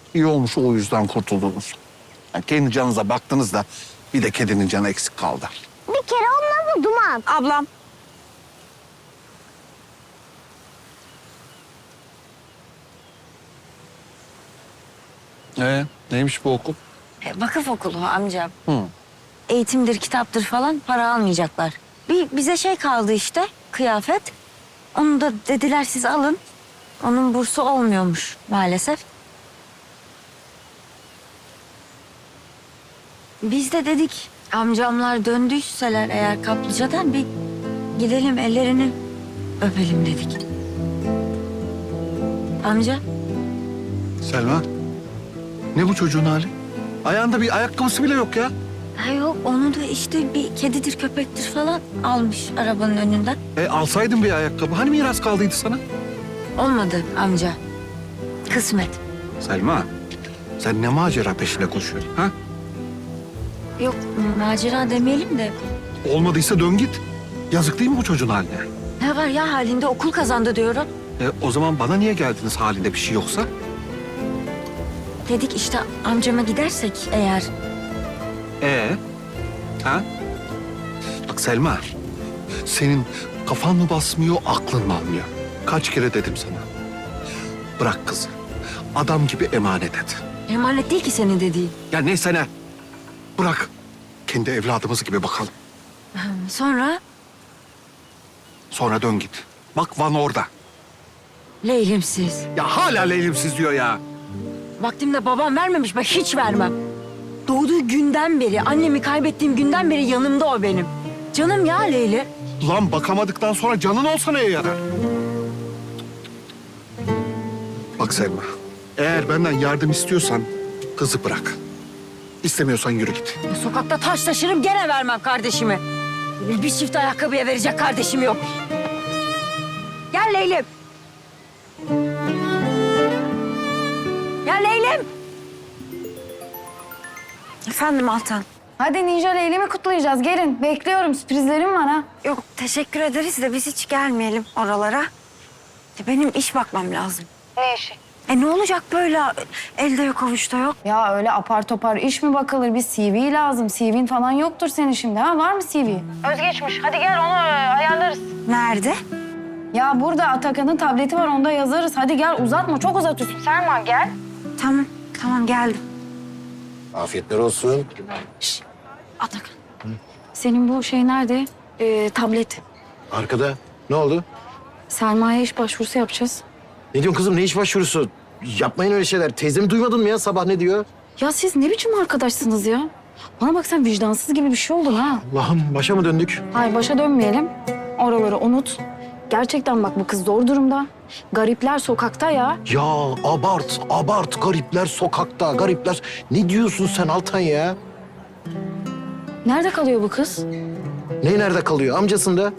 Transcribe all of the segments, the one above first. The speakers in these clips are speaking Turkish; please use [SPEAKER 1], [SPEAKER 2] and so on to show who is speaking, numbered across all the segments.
[SPEAKER 1] İyi olmuş o yüzden kurtuldunuz. Yani kendi canınıza baktınız da bir de kedinin canı eksik kaldı.
[SPEAKER 2] Bir kere olmadı Duman.
[SPEAKER 3] Ablam.
[SPEAKER 1] Neymiş bu okul?
[SPEAKER 3] Vakıf okulu amcam.
[SPEAKER 1] Hı.
[SPEAKER 3] Eğitimdir, kitaptır falan para almayacaklar. Bize şey kaldı işte, kıyafet. Onu da dediler siz alın. Onun bursu olmuyormuş maalesef. Biz de dedik amcamlar döndüyseler eğer kaplıcadan bir gidelim ellerini öpelim dedik. Amca.
[SPEAKER 1] Selma, ne bu çocuğun hali? Ayağında bir ayakkabısı bile yok ya.
[SPEAKER 3] Ha yok onu da işte bir kedidir köpektir falan almış arabanın önünden.
[SPEAKER 1] Alsaydın bir ayakkabı. Hani miras kaldıydı sana?
[SPEAKER 3] Olmadı amca. Kısmet.
[SPEAKER 1] Selma, sen ne macera peşine koşuyorsun ha?
[SPEAKER 3] Yok macera demeyelim de
[SPEAKER 1] Olmadıysa dön git. Yazık değil mi bu çocuğun haline?
[SPEAKER 3] ne var ya halinde okul kazandı diyorum.
[SPEAKER 1] O zaman bana niye geldiniz halinde bir şey yoksa?
[SPEAKER 3] Dedik işte amcama gidersek eğer.
[SPEAKER 1] Ha? Bak Selma, senin kafan mı basmıyor, aklın mı almıyor? Kaç kere dedim sana. Bırak kızı. Adam gibi emanet et.
[SPEAKER 3] Emanet değil ki senin dediğin.
[SPEAKER 1] Ya neyse ne. Bırak. Kendi evladımız gibi bakalım.
[SPEAKER 3] Sonra
[SPEAKER 1] Sonra dön git. Bak Van orada.
[SPEAKER 3] Leylimsiz.
[SPEAKER 1] Ya hala leylimsiz diyor ya.
[SPEAKER 3] Vaktimde babam vermemiş ben hiç vermem. Doğduğu günden beri annemi kaybettiğim günden beri yanımda o benim. Canım ya Leyli.
[SPEAKER 1] Lan bakamadıktan sonra canın olsa neye yarar? Bak Selma, eğer benden yardım istiyorsan kızı bırak. İstemiyorsan yürü git.
[SPEAKER 3] Sokakta taş taşırım gene vermem kardeşimi. Bir çift ayakkabıya verecek kardeşim yok. Gel Leylim. Gel Leylim. Efendim Altan.
[SPEAKER 4] Hadi Ninja Leylim'i kutlayacağız. Gelin. Bekliyorum. Sürprizlerim var ha.
[SPEAKER 3] Yok teşekkür ederiz de biz hiç gelmeyelim oralara. Benim iş bakmam lazım.
[SPEAKER 4] Ne işi?
[SPEAKER 3] Ne olacak böyle elde yok avuçta yok.
[SPEAKER 4] Ya öyle apar topar iş mi bakılır? Bir CV lazım. CV'in falan yoktur senin şimdi ha? Var mı CV? Özgeçmiş. Hadi gel onu ayarlarız.
[SPEAKER 3] Nerede?
[SPEAKER 4] Ya burada Atakan'ın tableti var. Onda yazarız. Hadi gel uzatma. Çok uzatıyorsun. Serman gel.
[SPEAKER 3] Tamam geldim.
[SPEAKER 5] Afiyetler olsun.
[SPEAKER 3] Atakan.
[SPEAKER 4] Senin bu şey nerede? Tablet.
[SPEAKER 5] Arkada. Ne oldu?
[SPEAKER 4] Selma'ya iş başvurusu yapacağız.
[SPEAKER 5] Ne diyorsun kızım? Ne iş başvurusu? Yapmayın öyle şeyler. Teyzemi duymadın mı ya? Sabah ne diyor?
[SPEAKER 4] Ya siz ne biçim arkadaşsınız ya? Bana bak sen vicdansız gibi bir şey oldun ha.
[SPEAKER 5] Allah'ım başa mı döndük?
[SPEAKER 4] Hayır başa dönmeyelim. Oraları unut. Gerçekten bak bu kız zor durumda. Garipler sokakta ya.
[SPEAKER 5] Ya abart. Garipler sokakta, garipler. Ne diyorsun sen Altan ya?
[SPEAKER 4] Nerede kalıyor bu kız?
[SPEAKER 5] Ne nerede kalıyor? Amcasında.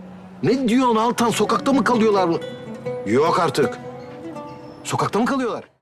[SPEAKER 5] Ne diyorsun Altan? Sokakta mı kalıyorlar? Yok artık. Sokakta mı kalıyorlar?